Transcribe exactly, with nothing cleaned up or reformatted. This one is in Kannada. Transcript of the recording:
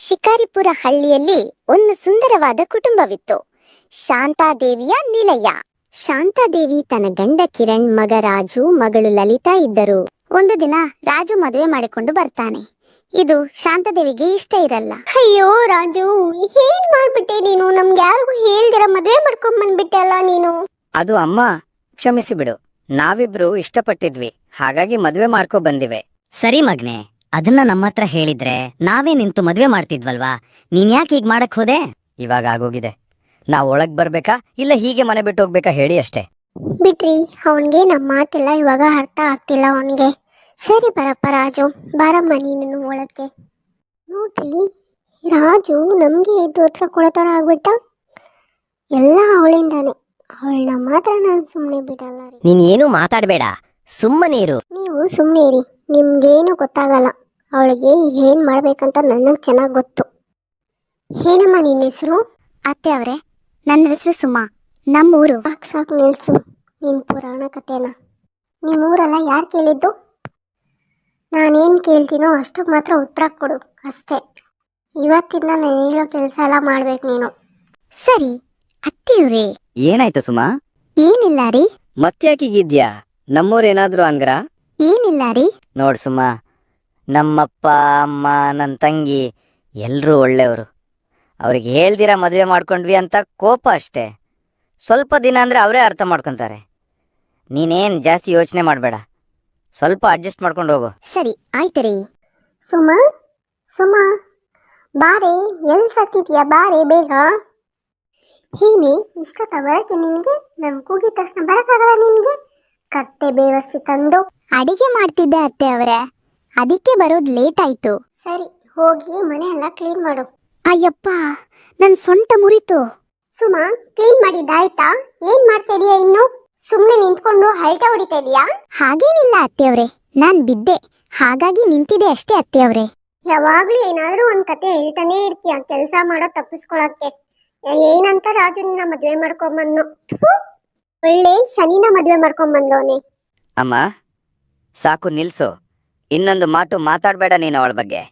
ಶಿಕಾರಿಪುರ ಹಳ್ಳಿಯಲ್ಲಿ ಒಂದು ಸುಂದರವಾದ ಕುಟುಂಬವಿತ್ತು. ಶಾಂತಾದೇವಿಯ ನಿಲಯ. ಶಾಂತಾದೇವಿ ತನ್ನ ಗಂಡ ಕಿರಣ್, ಮಗ ರಾಜು, ಮಗಳು ಲಲಿತಾ ಇದ್ದರು. ಒಂದು ದಿನ ರಾಜು ಮದುವೆ ಮಾಡಿಕೊಂಡು ಬರ್ತಾನೆ. ಇದು ಶಾಂತಾದೇವಿಗೆ ಇಷ್ಟ ಇರಲ್ಲ. ಅಯ್ಯೋ ರಾಜು, ಏನ್ ಮಾಡ್ಬಿಟ್ಟೆ ನೀನು? ನಮ್ಗೆ ಯಾರಿಗೂ ಹೇಳ್ದಿರ ಮದುವೆ ಮಾಡ್ಕೊಂಡ್ ಬಂದ್ಬಿಟ್ಟೆ ಅಲ್ಲ ನೀನು. ಅದು ಅಮ್ಮ, ಕ್ಷಮಿಸಿ ಬಿಡು. ನಾವಿಬ್ರು ಇಷ್ಟಪಟ್ಟಿದ್ವಿ, ಹಾಗಾಗಿ ಮದ್ವೆ ಮಾಡ್ಕೊ ಬಂದಿವೆ. ಸರಿ ಮಗ್ನೆ, ಅದನ್ನ ನಮ್ಮ ಹತ್ರ ಹೇಳಿದ್ರೆ ನಾವೇ ನಿಂತು ಮದ್ವೆ ಮಾಡ್ತಿದ್ವಲ್ವಾ? ನೀನ್ ಯಾಕೆ ಹೀಗ್ ಮಾಡಕ್ ಹೋದೆ? ಇವಾಗ ಆಗೋಗಿದೆ. ನಾವ್ ಒಳಗ್ ಬರ್ಬೇಕಾ ಇಲ್ಲ ಹೀಗೆ ಮನೆ ಬಿಟ್ಟು ಹೋಗ್ಬೇಕಾ ಹೇಳಿ ಅಷ್ಟೇ. ಬಿಟ್ರಿ, ಅವನ್ಗೆ ನಮ್ಮ ಮಾತೆಲ್ಲ ಇವಾಗ ಅರ್ಥ ಆಗ್ತಿಲ್ಲ ಅವನ್ಗೆ. ಸರಿ ಬರಪ್ಪ ರಾಜು, ಬಾರಮ್ಮ ನೀನು ಒಳಕ್ಕೆ. ನೋಡ್ರಿ, ರಾಜು ನಮ್ಗೆ ಎದ್ದು ಹತ್ರ ಕೊಡತರ ಆಗ್ಬಿಟ್ಟ. ಎಲ್ಲ ಅವಳಿಂದಾನೆ. ಅವಳನ್ನ ಮಾತ್ರ ನಾನು ಸುಮ್ಮನೆ ಬಿಡಲ್ಲ ರೀ. ನೀನ್ ಏನು ಮಾತಾಡ್ಬೇಡ, ಸುಮ್ಮನೆ ಇರು. ನೀವು ಸುಮ್ಮನೆ ಇರಿ, ನಿಮ್ಗೇನು ಗೊತ್ತಾಗಲ್ಲ. ಅವಳಿಗೆ ಏನ್ ಮಾಡ್ಬೇಕಂತ ನನಗೆ ಚೆನ್ನಾಗಿ ಗೊತ್ತು. ಏನಮ್ಮ ನಿನ್ನ ಹೆಸರು? ಅತ್ತೆ ಅವರೇ, ನನ್ನ ಹೆಸರು ಸುಮಾ. ನಮ್ಮೂರು. ಸಾಕು ಸಾಕು ನಿಲ್ಸು ನಿನ್ ಪುರಾಣ ಕಥೆನ. ನಿಮ್ಮೂರೆಲ್ಲ ಯಾರು ಕೇಳಿದ್ದು? ನಾನೇನು ಕೇಳ್ತೀನೋ ಅಷ್ಟಕ್ಕೆ ಮಾತ್ರ ಉತ್ತರ ಕೊಡು ಅಷ್ಟೇ. ಇವತ್ತಿಂದ ನಾನು ಹೇಳೋ ಕೆಲಸ ಎಲ್ಲ ಮಾಡ್ಬೇಕು ನೀನು. ಸರಿ ಅತ್ತೆಯವ್ರೇ. ಏನಾಯ್ತು ಸುಮಾ? ಏನಿಲ್ಲ ರೀ. ಮತ್ತ್ಯಾಕೀಗಿದ್ಯಾ? ನಮ್ಮೂರೇನಾದ್ರೂ ಅಂದ್ರ? ಏನಿಲ್ಲ ರೀ. ನೋಡ್ ಸುಮಾ, ನಮ್ಮಪ್ಪ ಅಮ್ಮ ನನ್ನ ತಂಗಿ ಎಲ್ರೂ ಒಳ್ಳೆಯವರು. ಅವ್ರಿಗೆ ಹೇಳ್ದಿರ ಮದುವೆ ಮಾಡ್ಕೊಂಡ್ವಿ ಅಂತ ಕೋಪ ಅಷ್ಟೇ. ಸ್ವಲ್ಪ ದಿನ ಅಂದ್ರೆ ಅವರೇ ಅರ್ಥ ಮಾಡ್ಕೊತಾರೆ. ನೀನೇನ್ ಜಾಸ್ತಿ ಯೋಚನೆ ಮಾಡಬೇಡ, ಸ್ವಲ್ಪ ಅಡ್ಜಸ್ಟ್ ಮಾಡ್ಕೊಂಡು ಹೋಗು. ಸರಿ ಆಯ್ತು ರೀ. ಸುಮಾ ಸುಮಾ ಬಾರೆ, ಎಲ್ಲಿ ಸತ್ತಿದ್ಯಾ? ಬಾರೆ ಬೇಗ. ಏನೇ ಇಷ್ಟೊತ್ತ ಬರಕ್ಕೆ ನಿನಗೆ? ನನ್ ಕೂಗಿದ ತಕ್ಷಣ ಬರಕ್ಕಾಗಲ್ಲ ನಿನಗೆ? ಕತ್ತೆ ಬೇವರ್ಸಿ ತಂದು ಅಡಿಗೆ ಮಾಡ್ತಿದ್ದೆ ಅತ್ತೆ ಅವರೇ, ಅದಕ್ಕೆ ಬರೋದು ಲೇಟ್ ಆಯ್ತು. ಸರಿ ಹೋಗಿ ಮನೆ ಎಲ್ಲ ಕ್ಲೀನ್ ಮಾಡು. ಅಯ್ಯಪ್ಪ, ನನ್ನ ಸೊಂಟ ಮುರಿತು. ಸುಮಾ, ಕ್ಲೀನ್ ಮಾಡಿದ್ದಾಯ್ತಾ? ಏನ್ ಮಾಡ್ತಾ ಇದೀಯಾ ಇನ್ನು? ಸುಮ್ಮನೆ ನಿಂತ್ಕೊಂಡು ಹಲ್ಟೆ ಹೊಡಿತಾ ಇದೀಯಾ? ಹಾಗೇನಿಲ್ಲ ಅತ್ತೆಯವ್ರೆ, ನಾನ್ ಬಿದ್ದೆ, ಹಾಗಾಗಿ ನಿಂತಿದೆ ಅಷ್ಟೇ ಅತ್ತೆಯವ್ರೆ. ಯಾವಾಗ್ಲೂ ಏನಾದ್ರೂ ಒಂದ್ ಕತೆ ಹೇಳ್ತಾನೆ ಇರ್ತೀಯ ಕೆಲಸ ಮಾಡೋ ತಪ್ಪಿಸ್ಕೊಳಕ್ಕೆ. ಏನಂತ ರಾಜುನ ಮದ್ವೆ ಮಾಡ್ಕೊಂಬಂದು, ಒಳ್ಳೆ ಶನಿನ ಮದ್ವೆ ಮಾಡ್ಕೊಂಬಂದವನೆ. ಅಮ್ಮ ಸಾಕು ನಿಲ್ಸು, ಇನ್ನೊಂದು ಮಾತು ಮಾತಾಡ್ಬೇಡ ನೀನು ಅವಳ ಬಗ್ಗೆ.